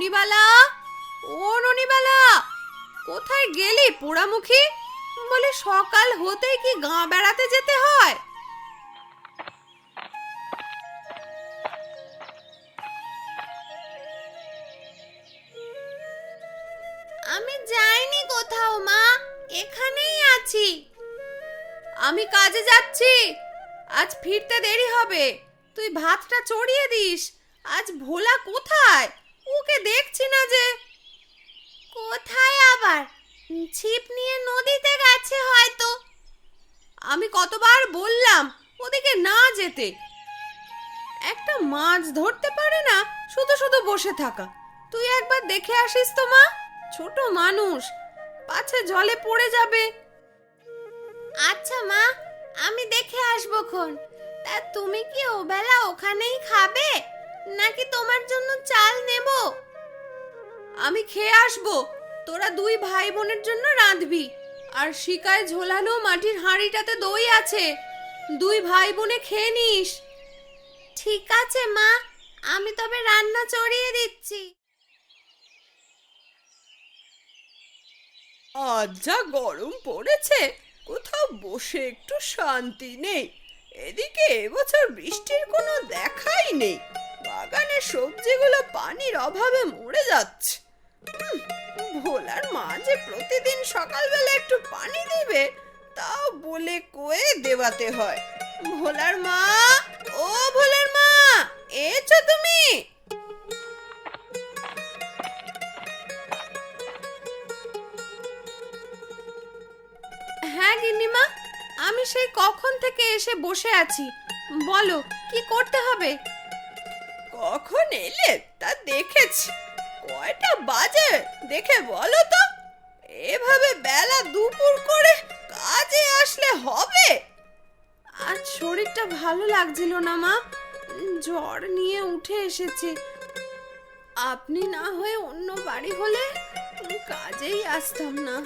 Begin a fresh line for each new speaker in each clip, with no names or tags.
ননিবালা, ও ননিবালা, কোথায় গেলি পোড়ামুখী? বলে সকাল হতেই কি গাঁ বেড়াতে যেতে হয়? আমি যাইনি কোথাও মা, এখানেই আছি। আমি কাজে যাচ্ছি, আজ ফিরতে দেরি হবে। তুই ভাতটা চড়িয়ে দিস। আজ ভোলা কোথায়? ওকে দেখছি না যে। কোথায় আবার? ছিপ নিয়ে নদীতে গেছে হয়তো। আমি কতবার বললাম ওদিকে না যেতে। একটা মাছ ধরতে পারে না, শুধু শুধু বসে থাকা। তুই একবার দেখে আসিস তো মা, ছোট মানুষ, পাছে জলে পড়ে যাবে। আচ্ছা মা, আমি দেখে আসবো খন। তা তুমি কি ওবেলা ওখানেই খাবে, নাকি তোমার জন্য চাল নেব? আমি খেয়ে আসবো, তোরা দুই ভাই বোনের জন্য রাঁধবি। আর শিকায় ঝোলানো মাটির হাঁড়িটাতে দই আছে, দুই ভাই বোনে খেয়ে নিস। ঠিক আছে মা, আমি তবে রান্না চড়িয়ে দিচ্ছি।
আজ যা গরম পড়েছে, কোথাও বসে একটু শান্তি নেই। এদিকে এবছর বৃষ্টির কোনো দেখাই নেই। বাগানের সবজিগুলো পানির অভাবে মরে যাচ্ছে। ভোলার মা যে প্রতিদিন সকালবেলা একটু পানি দিবে, তাও বলে কয়ে দেওয়াতে হয়। ভোলার মা, ও ভোলার মা, এসো তুমি।
হ্যাঁ গিন্নিমা, আমি সেই কখন থেকে এসে বসে আছি। বলো কি করতে হবে?
কখন এলে তা দেখেছি, কয়টা বাজে দেখে বলো তো। এভাবে বেলা দুপুর করে কাজে আসলে হবে?
আজ শরীরটা ভালো লাগছিল না মা, জ্বর নিয়ে উঠে এসেছি। আপনি না হয়ে অন্য বাড়ি হলে কাজেই আসতাম না।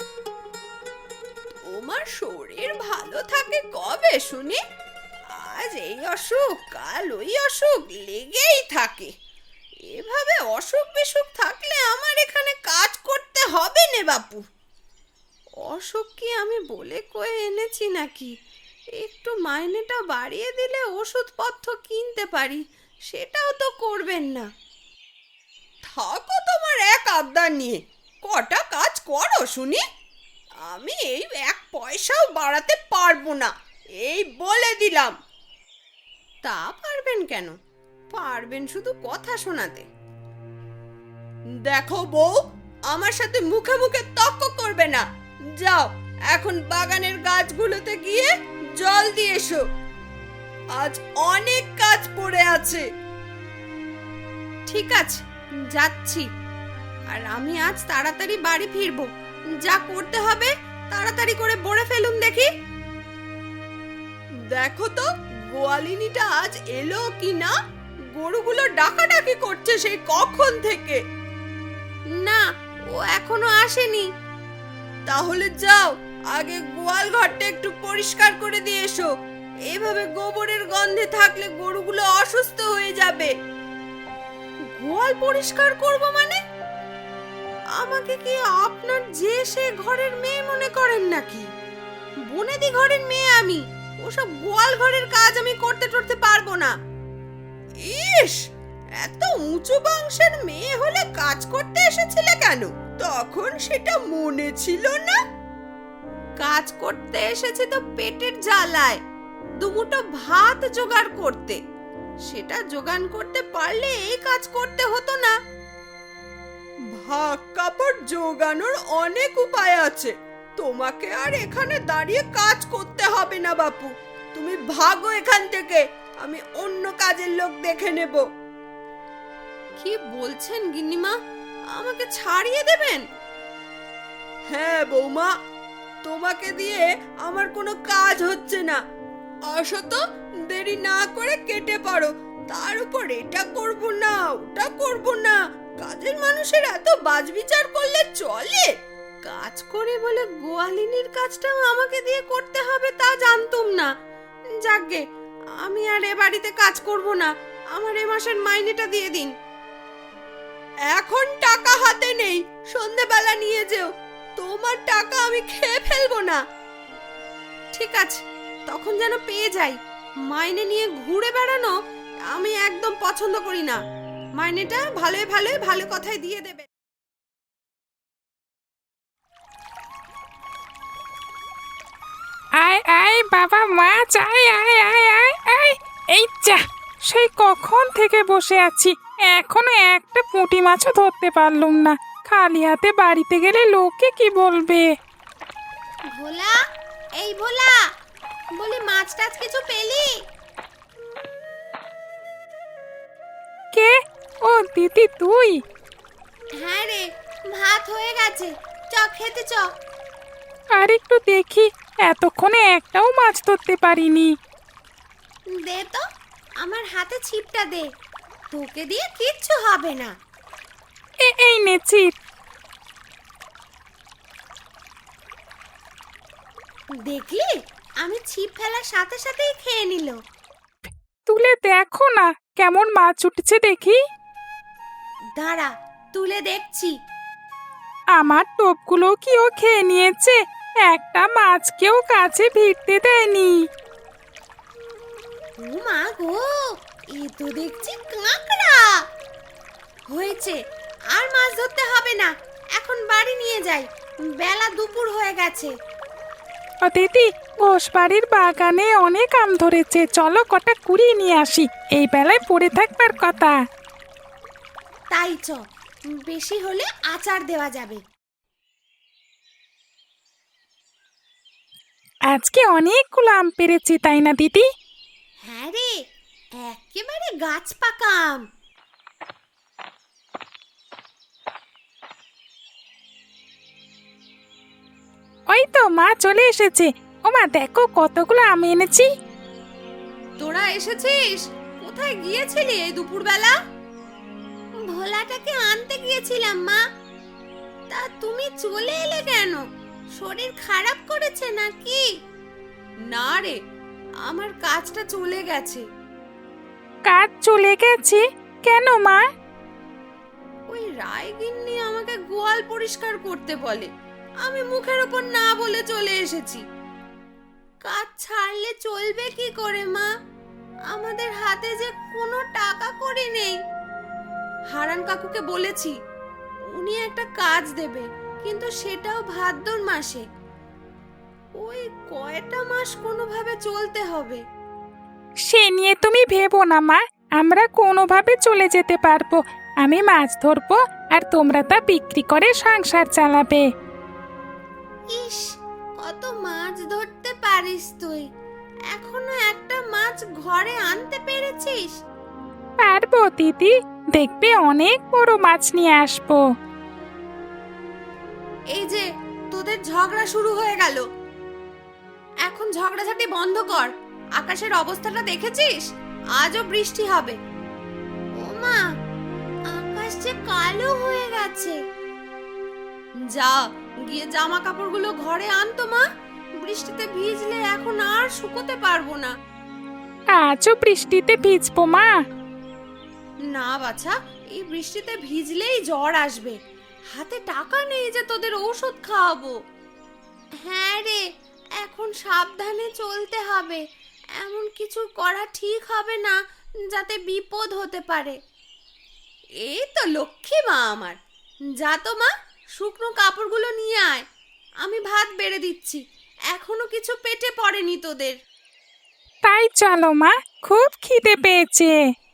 তোমার শরীর ভালো থাকে কবে শুনি? আজ এই অসুখ, কাল ওই অসুখ লেগেই থাকে। এভাবে অসুখ বিসুখ থাকলে আমার এখানে কাজ করতে হবে নে বাপু।
অসুখ কি আমি বলে কয়ে এনেছি নাকি? একটু মাইনেটা বাড়িয়ে দিলে ওষুধপত্র কিনতে পারি, সেটাও তো করবেন না।
থাকো তোমার এক আবদার নিয়ে, কটা কাজ করো শুনি। আমি এই এক পয়সাও বাড়াতে পারবো না, এই বলে দিলাম।
তা পারবেন কেন? পারবেন শুধু কথা শোনাতে।
দেখো বউ, আমার সাথে মুখে মুখে তর্ক করবে না। যাও এখন বাগানের গাছগুলোতে গিয়ে জল দিয়ে এসো, আজ অনেক কাজ পড়ে আছে।
ঠিক আছে, যাচ্ছি। আর আমি আজ তাড়াতাড়ি বাড়ি ফিরবো। যা করতে হবে তাড়াতাড়ি করে বলে ফেলুন দেখি।
দেখো তো গোয়ালিনীটা আজ এলো কি না। গরুগুলো ডাকাডাকি করছে সেই কখন থেকে।
না, ও এখনো আসেনি।
তাহলে যাও, আগে গোয়াল ঘরটা একটু পরিষ্কার করে দিয়ে এসো। এভাবে গোবরের গন্ধে থাকলে গরুগুলো অসুস্থ হয়ে যাবে।
গোয়াল পরিষ্কার করব মানে? আমাকে কি আপনার যে সে ঘরের মেয়ে মনে করেন নাকি? বনেদি ঘরের মেয়ে আমি, ওসব গোয়াল ঘরের কাজ আমি করতে পারবো না।
ইস, এত উঁচু বংশের মেয়ে হলে কাজ করতে এসেছিলে কেন? তখন সেটা মনে ছিল না?
কাজ করতে এসেছি তো পেটের জ্বালায়, দুমুঠো ভাত জোগাড় করতে। সেটা জোগান করতে পারলে এই কাজ করতে হতো না।
ভাগ কাপড় জোগানোর অনেক উপায় আছে, তোমাকে আর এখানে দাঁড়িয়ে কাজ করতে হবে না বাপু। তুমি ভাগো এখান থেকে, আমি অন্য কাজের লোক দেখে নেব।
কি বলছেন গিন্নিমা, আমাকে ছাড়িয়ে দেবেন?
হ্যাঁ বৌমা, তোমাকে দিয়ে আমার কোনো কাজ হচ্ছে না। আসো তো, দেরি না করে কেটে পারো। তার উপর এটা করব না ওটা করব না, কাজের মানুষের এত বাজবিচার করলে চলে?
কাজ করে বলে গোয়ালিনীর কাজটাও আমাকে দিয়ে করতে হবে তা জানতুম না। যাকগে, আমি আর এ বাড়িতে কাজ করব না। আমার এ মাসের মাইনেটা দিয়ে দিন।
এখন টাকা হাতে নেই, সন্ধেবেলা নিয়ে যেও। তোমার টাকা আমি খেয়ে ফেলবো না।
ঠিক আছে, তখন যেন পেয়ে যাই। মাইনে নিয়ে ঘুরে বেড়ানো আমি একদম পছন্দ করি না। মাইনেটা ভালোই ভালোই ভালো কথাই দিয়ে দেবে।
আয় আয় বাবা মাছ, আয় আয় আয় আয় আয়। এই যা, সেই কখন থেকে বসে আছি, এখনো একটা পুঁটি মাছও ধরতে পারলুম না। খালি হাতে বাড়িতে গেলে লোকে কি বলবে?
ভোলা, এই ভোলা, বলি মাছ টাছ কিছু পেলি?
কে? ও দিদি তুই?
হ্যাঁ রে, ভাত হয়ে গেছে, চ খেতে চ।
আর একটু দেখি, এতক্ষণে একটাও মাছ ধরতে পারিনি।
দে তো, আমার হাতে ছিপটা দে, তোকে দিয়ে কিচ্ছু হবে না।
এই নেছি।
দেখলি, আমি ছিপ ফেলার সাথে সাথেই খেয়ে নিল।
তুলে দেখো না কেমন মাছ উঠছে দেখি।
দাঁড়া, তুলে দেখছি।
আমার টোপগুলো কি ও খেয়ে নিয়েছে? একটা মাছকেও কাছে ভিড়তে দেয়নি।
ও মা গো, এ তো দেখছি কাঁকড়া। হয়েছে, আর মাছ ধরতে হবে না, এখন বাড়ি নিয়ে যাই, বেলা দুপুর হয়ে গেছে।
ও দিদি, ঘোষবাড়ির বাগানে অনেক আম ধরেছে, চলো কটা কুড়িয়ে নিয়ে আসি, এই বেলায় পড়ে থাকবার কথা।
তাই চ, বেশি হলে আচার দেওয়া যাবে।
আজকে অনেকগুলো আম পেরেছি, তাই না দিদি?
হ্যাঁ রে, একেবারে গাছ পাকা আম।
ওই তো মা চলে এসেছে। ও মা, দেখো কতগুলো আম এনেছি।
তোরা এসেছিস? কোথায় গিয়েছিলি এই দুপুরবেলা? ভোলাটাকে আনতে গিয়েছিলাম মা। তা তুমি চলে এলে কেন? শরীর খারাপ করেছে নাকি? না রে, আমার কাজটা চলে গেছে।
কাজ চলে গেছে? কেন মা?
ওই রায়গিন্নি আমাকে গোয়াল পরিষ্কার করতে বলে, আমি মুখের ওপর না বলে চলে এসেছি। কাজ ছাড়লে চলবে কি করে মা? আমাদের হাতে যে কোনো টাকা কড়ি নেই। হারান কাকুকে বলেছি, উনি একটা কাজ দেবে, কিন্তু সেটাও ভাদ্র মাসে। ওই কয়টা মাস কোনোভাবে চলতে হবে।
সে নিয়ে তুমি ভেবো না মা, আমরা কোনোভাবে চলে যেতে পারবো। আমি মাছ ধরবো আর তোমরা তা বিক্রি করে সংসার চালাবে।
ইস, কত মাছ ধরতে পারিস তুই, এখনো একটা মাছ ঘরে আনতে পেরেছিস?
পারবো দিদি, দেখবে অনেক বড় মাছ নিয়ে আসবো।
এই যে তোদের ঝগড়া শুরু হয়ে গেল, এখন ঝগড়াঝাটি বন্ধ কর। আকাশের অবস্থাটা দেখেছিস? আজও বৃষ্টি হবে। ও মা, আকাশ যে কালো হয়ে গেছে। যা, গিয়ে জামা কাপড়গুলো ঘরে আনতো মা, বৃষ্টিতে ভিজলে এখন আর শুকোতে পারবো না।
আজও বৃষ্টিতে ভিজবো মা?
না বাছা, এই বৃষ্টিতে ভিজলেই জ্বর আসবে। হাতে টাকা নেই যে তোদের ঔষধ খাওয়াবো। হ্যাঁ রে, এখন সাবধানে চলতে হবে, এমন কিছু করা ঠিক হবে না যাতে বিপদ হতে পারে। এই তো লক্ষ্মী মা আমার, যা তো মা, শুকনো কাপড়গুলো নিয়ে আয়, আমি ভাত বেড়ে দিচ্ছি, এখনো কিছু পেটে পড়েনি তোদের।
তাই চলো মা, খুব খিদে পেয়েছে।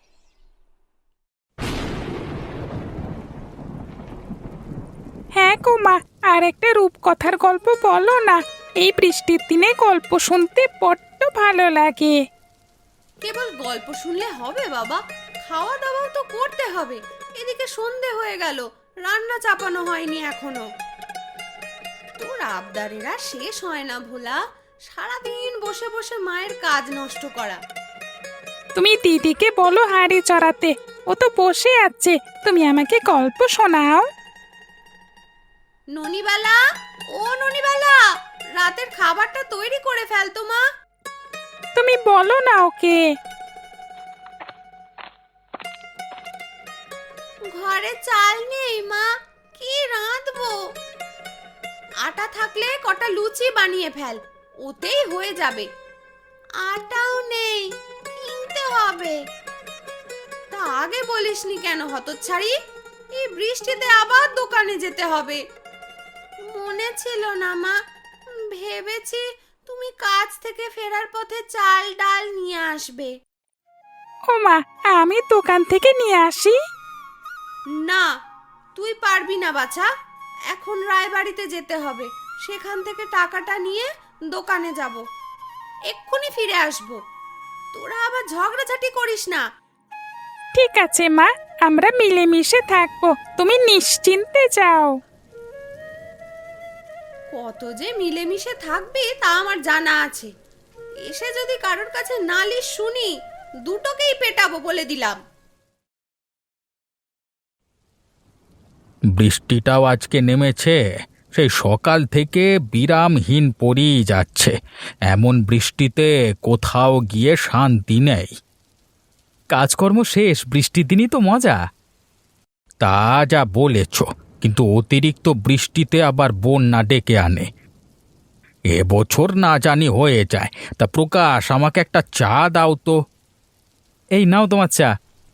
হ্যাঁ গো মা, আর একটা রূপকথার গল্প বলো না, এই বৃষ্টির দিনে গল্প শুনতে বড্ড ভালো লাগে।
কেবল গল্প শুনলে হবে বাবা, খাওয়া দাওয়াও তো করতে হবে। এদিকে সন্ধে হয়ে গেল, রান্না চাপানো হয়নি এখনো। তোর আবদারেরা শেষ হয় না ভোলা, সারাদিন বসে বসে মায়ের কাজ নষ্ট করা।
তুমি দিদিকে বলো হাঁড়ি চড়াতে, ও তো বসে আছে, তুমি আমাকে গল্প শোনাও।
ননিবালা, ও ননিবালা, রাতের খাবারটা তৈরি করে ফেলতো মা।
তুমি বলো না ওকে।
ঘরে চাল নেই মা, কি রাঁধবো? আটা থাকলে কটা লুচি বানিয়ে ফেল, ওতেই হয়ে যাবে। আটাও নেই, কিনতে হবে। তা আগে বলিসনি কেন হতচ্ছাড়ি? এই বৃষ্টিতে আবার দোকানে যেতে হবে। মনে ছিল না মা, ভেবেছি তুমি কাজ থেকে ফেরার পথে চাল ডাল নিয়ে আসবে।
ও মা, আমি দোকান থেকে নিয়ে আসি।
না, তুই পারবি না বাছা। এখন রায়বাড়িতে যেতে হবে, সেখান থেকে টাকাটা নিয়ে দোকানে যাব, এক্ষুনি ফিরে আসব। তোরা আবার ঝগড়াঝাটি করিস না।
ঠিক আছে মা, আমরা মিলেমিশে থাকবো, তুমি নিশ্চিন্তে যাও।
কত যে মিলেমিশে থাকবি তা আমার জানা আছে। এসে যদি কারোর কাছে নালিশ শুনি, দুটোকেই পেটাবো বলে দিলাম।
বৃষ্টিটাও আজকে নেমেছে, সেই সকাল থেকে বিরামহীন পড়েই যাচ্ছে। এমন বৃষ্টিতে কোথাও গিয়ে শান্তি নেই। কাজকর্ম শেষ, বৃষ্টির দিনই তো মজা। তা যা বলেছ, কিন্তু অতিরিক্ত বৃষ্টিতে আবার বন্যা ডেকে আনে। এবছর না জানি হয়ে যায়। তা প্রকাশ, আমাকে একটা চা দাও তো। এই নাও তোমার চা।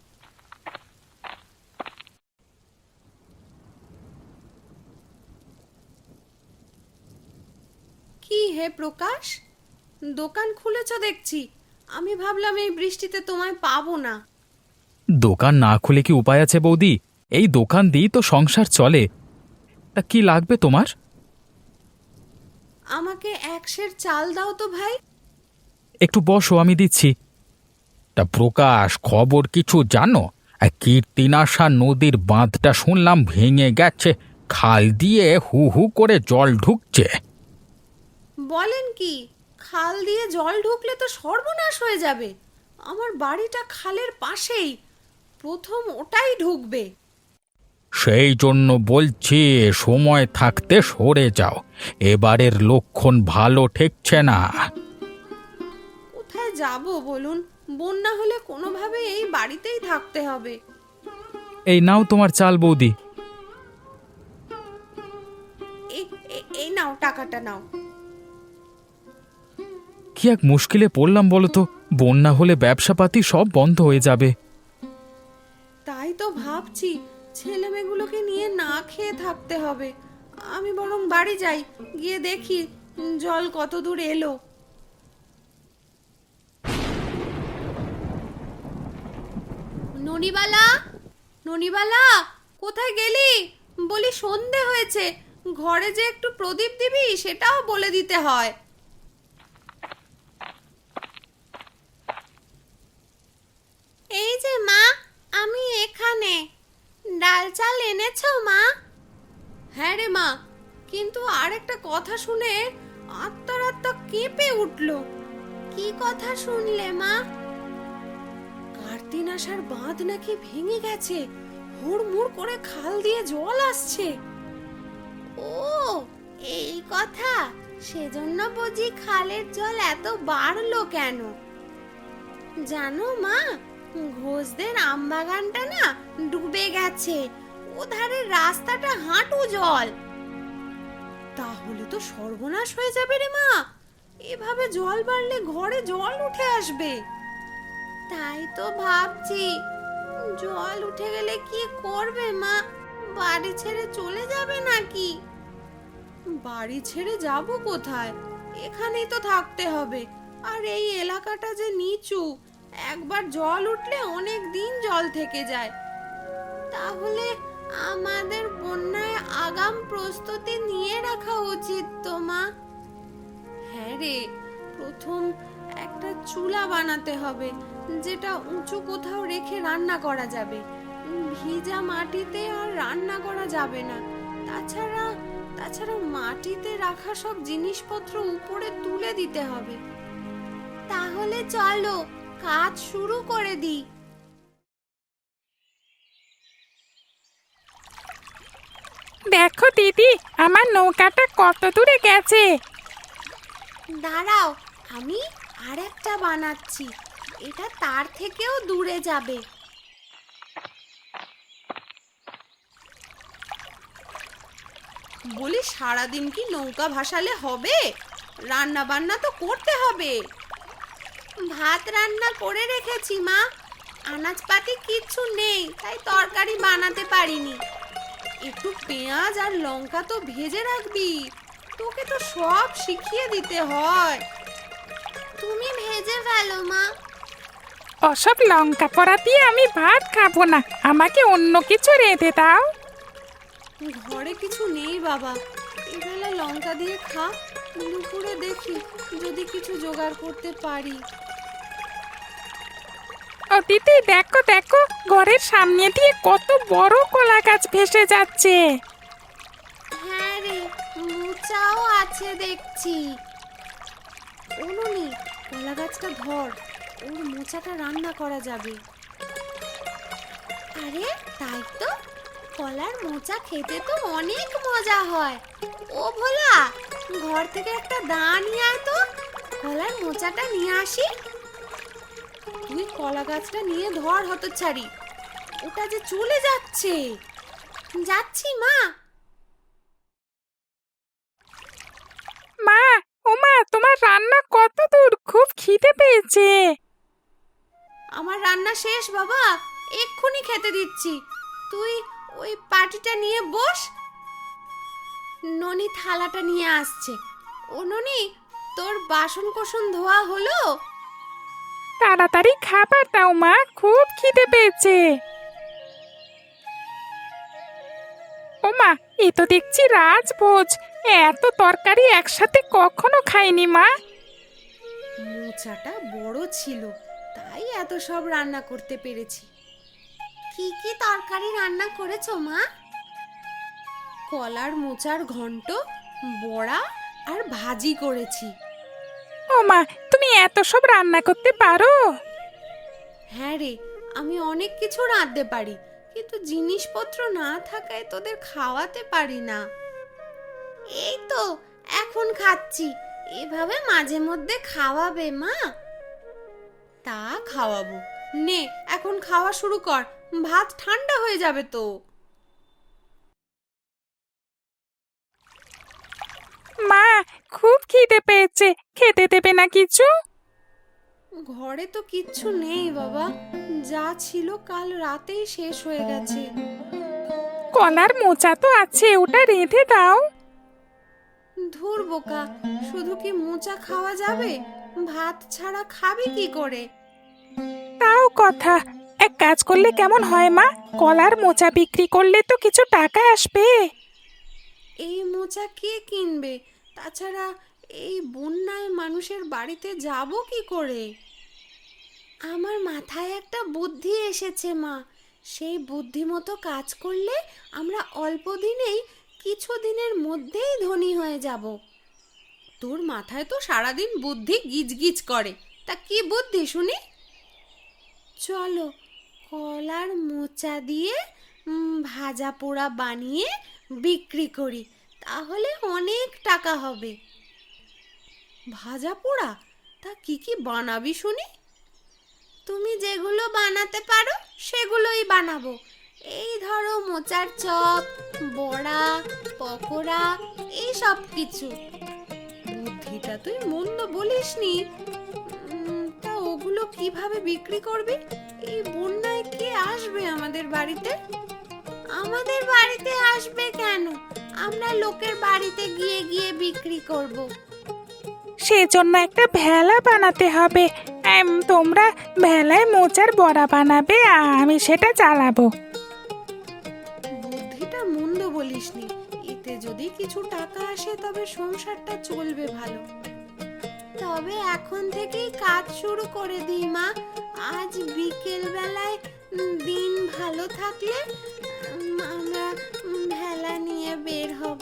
কি হে প্রকাশ, দোকান খুলেছ দেখছি। আমি ভাবলাম এই বৃষ্টিতে তোমায় পাবো না।
দোকান না খুলে কি উপায় আছে বৌদি? এই দোকান দিয়েই তো সংসার চলে। তা কি লাগবে তোমার?
আমাকে 1 সের চাল দাও তো ভাই।
একটু বসো, আমি দিচ্ছি। তা প্রকাশ, খবর কিছু জানো? কীর্তিনাশা নদীর বাঁধটা শুনলাম ভেঙে গেছে, খাল দিয়ে হু হু করে জল ঢুকছে।
বলেন কি, খাল দিয়ে জল ঢুকলে তো সর্বনাশ হয়ে যাবে। আমার বাড়িটা খালের পাশেই, প্রথম ওটাই ঢুকবে।
সেই জন্য বলছি, সময় থাকতে সরে যাও। এবারের লক্ষণ ভালো ঠেকছে না।
কোথায় যাব বলুন? বন্যা হলে কোনোভাবে এই বাড়িতেই থাকতে হবে।
এই নাও তোমার চাল বৌদি।
এই নাও, টাকাটা নাও।
কি এক মুশকিলে পড়লাম বলো তো, বন্যা হলে ব্যবসাপাতি সব বন্ধ হয়ে যাবে।
তাই তো ভাবছি, ছেলেমেয়েগুলোকে নিয়ে না খেয়ে থাকতে হবে। আমি বরং বাড়ি যাই, গিয়ে দেখি জল কত দূর এলো। ননিবালা, ননিবালা, কোথায় গেলি? বলি সন্ধে হয়েছে, ঘরে যে একটু প্রদীপ দিবি সেটাও বলে দিতে হয়। এই যে মা, আমি এখানে। ডাল চাল এনেছো মা? হ্যাঁ রে মা, কিন্তু আর একটা কথা শুনে আত্মা কেঁপে উঠল। কি কথা শুনলে মা? কার্তিনাশার বাঁধ নাকি ভেঙে গেছে, হুড়মুড় করে খাল দিয়ে জল আসছে। ও, এই কথা। সেজন্য বুঝি খালের জল এত বাড়লো কেন? জানো মা, ঘোষদের আমবাগানটা না ডুবে গেছে, ওধারের রাস্তাটা হাঁটু জল। তাহলে তো সর্বনাশ হয়ে যাবে রে মা। এভাবে জল বাড়লে ঘরে জল উঠে আসবে। তাই তো ভাবছি, জল উঠে গেলে কি করবে মা? বাড়ি ছেড়ে চলে যাবে নাকি? বাড়ি ছেড়ে যাব কোথায়? এখানেই তো থাকতে হবে। আর এই এলাকাটা যে নিচু, একবার জল উঠলে অনেক দিন জল থেকে যায়। তাহলে আমাদের বন্যায় আগাম প্রস্তুতি নিয়ে রাখা উচিত তো মা। হ্যাঁ রে, প্রথম একটা চুলা বানাতে হবে, যেটা উঁচু কোথাও রেখে রান্না করা যাবে। ভিজা মাটিতে আর রান্না করা যাবে না। তাছাড়া মাটিতে রাখা সব জিনিসপত্র উপরে তুলে দিতে হবে। তাহলে চলো কাজ শুরু করে দিই।
দেখো দিদি, আমার নৌকাটা কত দূরে গেছে।
দাঁড়াও, আমি আরেকটা বানাচ্ছি, এটা তার থেকেও দূরে যাবে। বলি সারাদিন কি নৌকা ভাসালে হবে? রান্না বান্না তো করতে হবে। ভাত রান্না করে রেখেছি মা, আনাজপাতি কিচ্ছু নেই তাই তরকারি বানাতে পারিনি। একটু পেঁয়াজ আর লঙ্কা তো ভেজে রাখবি, তোকে তো সব শিখিয়ে দিতে হয়। তুমি ভেজে ফেলো মা।
ওসব লঙ্কা পড়া দিয়ে আমি ভাত খাবো না, আমাকে অন্য কিছু রেঁধে দাও।
ঘরে কিছু নেই বাবা, এবেলা লঙ্কা দিয়ে খা, দুপুরে দেখি যদি কিছু জোগাড় করতে পারি।
ও দিদি, দেখো দেখো, ঘরের সামনে দিয়ে কত বড় কলা গাছ ভেসে যাচ্ছে।
হ্যাঁ রে, মোচাও আছে দেখছি। ওনুনি, কলা গাছটা ধর, ওর মোচাটা রান্না করা যাবে। আরে তাই তো, কলার মোচা খেতে তো অনেক মজা হয়। ও ভোলা, ঘর থেকে একটা দা নিয়ে আয় তো, কলার মোচাটা নিয়ে আসি। তুই কলা গাছটা নিয়ে ধর হতচ্ছাড়ি, ওটা যে চলে যাচ্ছে। যাচ্ছি মা।
মা, ও মা, তোমার রান্না কত দূর? খুব খিদে পেয়েছে।
আমার রান্না শেষ বাবা, এক্ষুনি খেতে দিচ্ছি। তুই ওই পাটিটা নিয়ে বস, ননি থালাটা নিয়ে আসছে। ও ননি, তোর বাসন কোসন ধোয়া হলো?
তাড়াতাড়ি খাবার দাও মা, খুব খিদে পেয়েছে। ও মা, এ তো দেখছি রাজভোজ, এত তরকারি একসাথে কখনো খাইনি মা।
মোচাটা বড় ছিল তাই এত সব রান্না করতে পেরেছি। কি কি তরকারি রান্না করেছো মা? কলার মোচার ঘন্ট, বড়া আর ভাজি করেছি।
ও মা, তুমি এত সব রান্না করতে পারো?
হ্যাঁ রে, আমি অনেক কিছু রাঁধতে পারি, কিন্তু জিনিসপত্র না থাকায় তোদের খাওয়াতে পারি না। এই তো এখন খাচ্ছি, এভাবে মাঝে মধ্যে খাওয়াবে মা? তা খাওয়াবো, নে এখন খাওয়া শুরু কর, ভাত ঠান্ডা হয়ে যাবে তো।
মা, খুব খিদে পেয়েছে, খেতে দেবে না কিছু?
ঘরে তো কিচ্ছু নেই বাবা, যা ছিল কাল রাতেই শেষ হয়ে গেছে।
কলার মোচা তো আছে, ওটা রেঁধে দাও।
ধুর বোকা, শুধু কি মোচা খাওয়া যাবে? ভাত ছাড়া খাবি কি করে?
তাও কথা, এক কাজ করলে কেমন হয় মা, কলার মোচা বিক্রি করলে তো কিছু টাকা আসবে।
এই মোচা কে কিনবে? তাছাড়া এই বন্যায় মানুষের বাড়িতে যাব কি করে? আমার মাথায় একটা বুদ্ধি এসেছে মা, সেই বুদ্ধি মতো কাজ করলে আমরা অল্প দিনেই, কিছু দিনের মধ্যেই ধনী হয়ে যাব। তোর মাথায় তো সারাদিন বুদ্ধি গিজগিজ করে, তা কি বুদ্ধি শুনি? চলো কলার মোচা দিয়ে ভাজা পোড়া বানিয়ে বিক্রি করি, তাহলে অনেক টাকা হবে। ভাজা পোড়া? তা কি কি বানাবি শুনি? তুমি যেগুলো বানাতে পারো সেগুলোই বানাবো। এই ধরো মোচার চপ, বড়া, পকোড়া, এই সব কিছু। বুদ্ধিটা তুই মন্দ বলিসনি। তা ওগুলো কিভাবে বিক্রি করবি? এই বন্যায় কে আসবে আমাদের বাড়িতে? আমাদের বাড়িতে আসবে কেন? আমরা লোকের বাড়িতে গিয়ে গিয়ে বিক্রি করব।
সেজন্য একটা ভেলা বানাতে হবে। তোমরা ভেলায় মোচার বড়া বানাবে, আমি সেটা চালাবো।
বুদ্ধিটা মন্দ বলিসনি, এতে যদি কিছু টাকা আসে তবে সংসারটা চলবে ভালো। তবে এখন থেকেই কাজ শুরু করে দিই মা, আজ বিকেল বেলায় দিন ভালো থাকলে আমরা ভেলা নিয়ে বের হব।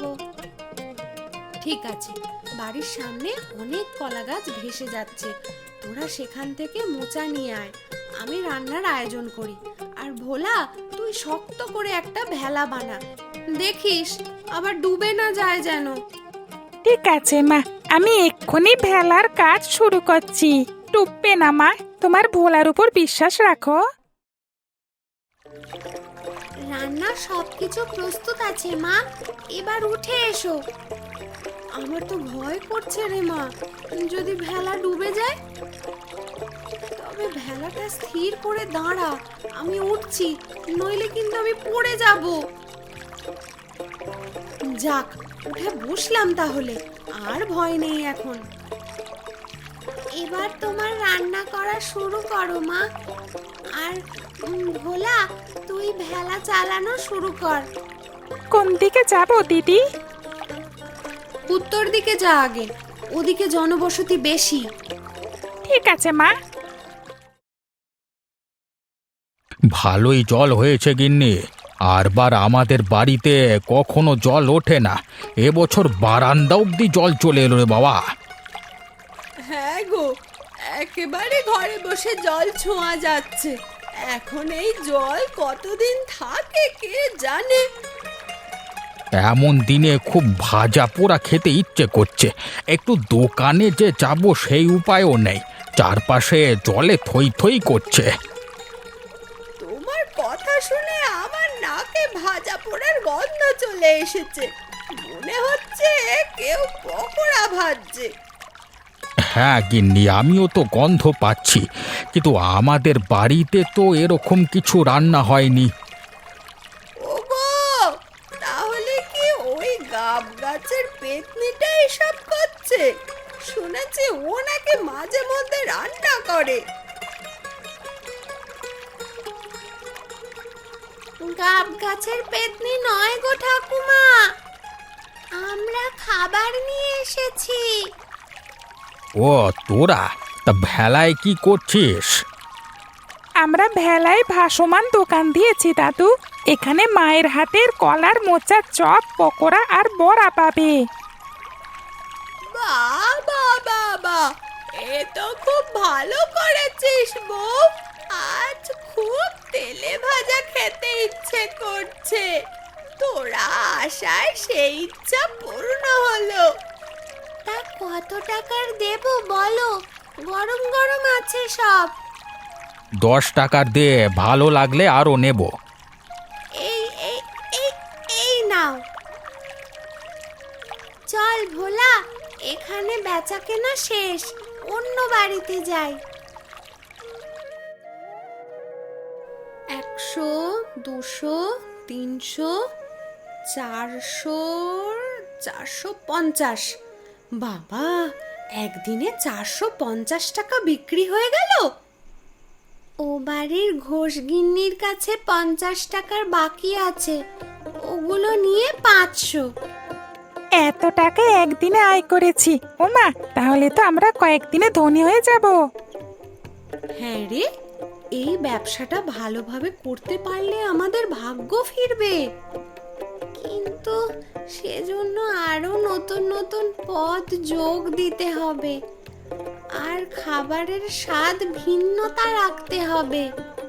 ঠিক আছে, বাড়ির সামনে অনেক কলা গাছ ভেসে যাচ্ছে, তোরা সেখান থেকে মোচা নিয়ে আয়, আমি রান্নার আয়োজন করি। আর ভোলা, তুই শক্ত করে একটা ভেলা বানা, দেখিস আবার ডুবে না যায় যেন।
ঠিক আছে মা, আমি এক্ষুনি ভেলার কাজ শুরু করছি। ডুববে না মা, তোমার ভোলার উপর বিশ্বাস রাখো।
রান্না সবকিছু প্রস্তুত আছে মা, এবার উঠে এসো।
আমার তো ভয় করছে রে মা, যদি ভেলা ডুবে যায়।
তবে ভেলাটা স্থির করে দাঁড়া, আমি উঠছি, নইলে কিন্তু আমি পড়ে যাব। যাক, উঠে বসলাম তাহলে, আর ভয় নেই এখন। এবার তোমার রান্না করা শুরু করো মা। আর ভোলা, তুই ভেলা চালানো শুরু কর।
কোন দিকে যাব দিদি?
উত্তর দিকে যা আগে, ওদিকে জনবসতি বেশি।
ঠিক আছে মা।
ভালোই জল হয়েছে গিন্নি। আরবার আমাদের বাড়িতে কখনো জল ওঠে না, এবছর বারান্দা অব্দি জল চলে এলো রে বাবা।
হ্যাঁ গো, একেবারে ঘরে বসে জল ছোঁয়া যাচ্ছে। এখন এই জল কতদিন থাকে কে জানে।
এমন দিনে খুব ভাজা পোড়া খেতে ইচ্ছে করছে, একটু দোকানে যে যাব সেই উপায়ও নেই, চারপাশে জলে থই থই করছে।
তোমার কথা শুনে আমার নাকে ভাজা পোড়ার গন্ধ চলে এসেছে। মনে হচ্ছে কেউ পকোড়া ভাজছে।
হ্যাঁ গিন্নি, আমিও তো গন্ধ পাচ্ছি, কিন্তু আমাদের বাড়িতে তো এরকম কিছু রান্না হয়নি।
ওগো, তাহলে কি ওই গাব গাছের পেতনিটা এসব করছে? শুনেছি ও নাকি মাঝে মধ্যে রান্না করে।
গাব গাছের পেতনি নয় গো ঠাকুমা, আমরা খাবার নিয়ে এসেছি।
ও তোরা, তা ভেলায় কি করছিস?
আমরা ভেলায় ভাসমান দোকান দিয়েছি দাদু। এখানে মায়ের হাতের কলার মোচা, চপ, পকোড়া আর বড়া পাবে।
বাবা বাবা, এ তো খুব ভালো করেছিস বউ। আজ খুব তেলে ভাজা খেতে ইচ্ছে করছে। তোরা আশায় সেই ইচ্ছা পূর্ণ হলো।
তা কত টাকার দেব বলো? গরম গরম আছে সব।
10 টাকার দে, ভালো লাগলে আরও নেব।
এই এই এই এই নাও। চল ভোলা, এখানে বেচা কেনা শেষ, অন্য বাড়িতে যাই। 100, 200, 300, 400, 450। বাবা, একদিনে 450 টাকা বিক্রি হয়ে গেল। ও বাড়ির ঘোষগিন্নির কাছে 50 টাকার বাকি আছে, ওগুলো নিয়ে 500।
এত টাকা একদিনে আয় করেছি। ওমা, তাহলে তো আমরা কয়েকদিনে ধনী হয়ে যাব।
হ্যাঁ রে, এই ব্যবসাটা ভালোভাবে করতে পারলে আমাদের ভাগ্য ফিরবে। কিন্তু সেজন্য আরো নতুন নতুন পদ যোগ দিতে হবে, আর খাবারের স্বাদ ভিন্নতা রাখতে হবে।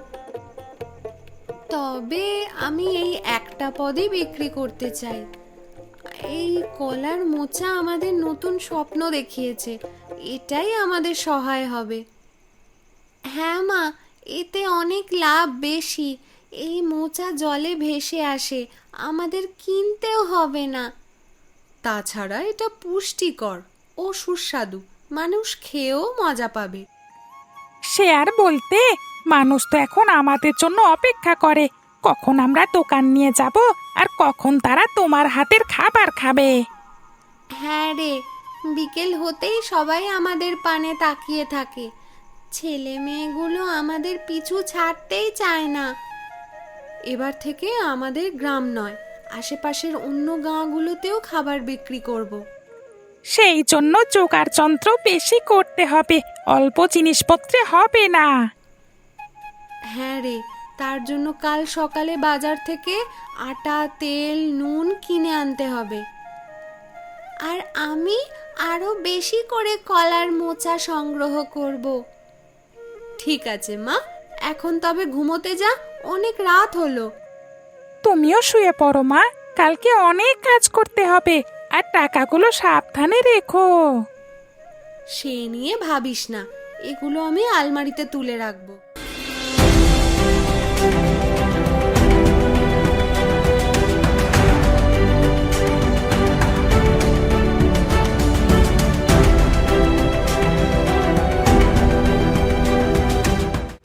তবে আমি এই একটা পদই বিক্রি করতে চাই। এই কলার মোচা আমাদের নতুন স্বপ্ন দেখিয়েছে, এটাই আমাদের সহায় হবে। হ্যাঁ মা, এতে অনেক লাভ বেশি। এই মোচা জলে ভেসে আসে, আমাদের কিনতেও হবে না। তাছাড়া এটা পুষ্টিকর ও সুস্বাদু, মানুষ খেয়েও মজা পাবে।
সে আর বলতে, মানুষ তো এখন আমাদের জন্য অপেক্ষা করে, কখন আমরা দোকান নিয়ে যাব আর কখন তারা তোমার হাতের খাবার খাবে।
হ্যাঁ রে, বিকেল হতেই সবাই আমাদের পানে তাকিয়ে থাকে। ছেলে মেয়েগুলো আমাদের পিছু ছাড়তেই চায় না। এবার থেকে আমাদের গ্রাম নয়, আশেপাশের অন্য গাঁগুলোতেও খাবার বিক্রি করব।
সেই জন্য জোগাড় যন্ত্র বেশি করতে হবে, অল্প জিনিসপত্রে হবে না।
হ্যাঁ রে, তার জন্য কাল সকালে বাজার থেকে আটা, তেল, নুন কিনে আনতে হবে। আর আমি আরো বেশি করে কলার মোচা সংগ্রহ করব। ঠিক আছে মা, এখন তবে ঘুমোতে যা, অনেক রাত হলো।
তুমিও শুয়ে পড়ো মা, কালকে অনেক কাজ করতে হবে, আর টাকাগুলো সাবধানে রেখো।
সে নিয়ে ভাবিস না, এগুলো আমি আলমারিতে তুলে রাখবো।